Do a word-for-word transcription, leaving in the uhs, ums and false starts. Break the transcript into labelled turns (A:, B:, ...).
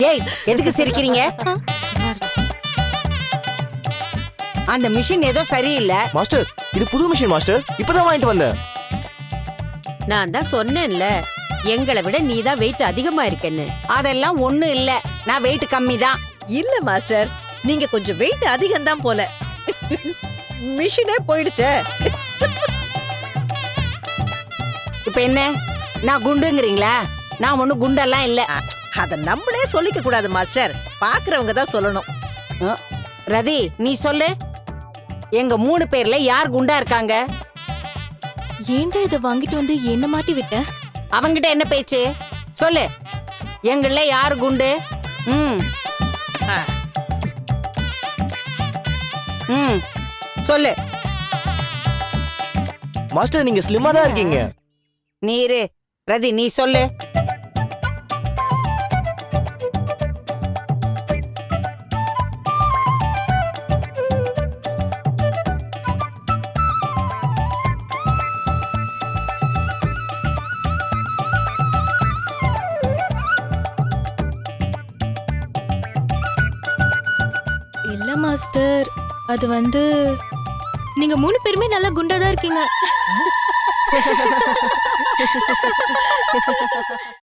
A: ஏய் எதுக்கு சிரிக்கிறீங்க? அந்த மிஷின் ஏதோ சரியில்லை.
B: மாஸ்டர் இது புது மிஷின் மாஸ்டர், இப்பதான் வாங்கிட்டு வந்தேன்.
C: நான் தான் சொன்னேன்ல, எங்களை விட நீதான் வெயிட் அதிகமா இருக்கேன்னு.
A: அதெல்லாம் ஒண்ணும் இல்ல, நான் வெயிட் கம்மி தான்.
D: இல்ல மாஸ்டர், நீங்க கொஞ்சம் வெயிட் அதிகம் தான் போல. மிஷினே போயிடுச்சே.
A: இப்ப என்ன, நான் குண்டுங்கிறீங்களா? நான் ஒண்ணு குண்டெல்லாம் இல்ல.
D: அத நம்மளே சொல்லிக்க கூடாது மாஸ்டர், பாக்குறவங்க தான் சொல்லணும்.
A: அஹ், ரதி நீ சொல்லு, எங்க மூணு பேர்ல யார் குண்டா இருக்காங்க?
E: ஏன்டா இத வாங்கிட்டு வந்து என்ன மாட்டி விட்ட?
A: அவங்கிட்ட என்ன பேச்சு? சொல்லு, எங்கள யாரு குண்டு? ம்
D: ஆ,
A: ம் சொல்லு.
B: மாஸ்டர் நீங்க ஸ்லிம்மா தான் இருக்கீங்க.
A: நீரு ரதி நீ சொல்லு.
E: இல்ல மாஸ்டர், அது வந்து நீங்க மூணு பேருமே நல்லா குண்டா தான் இருக்கீங்க.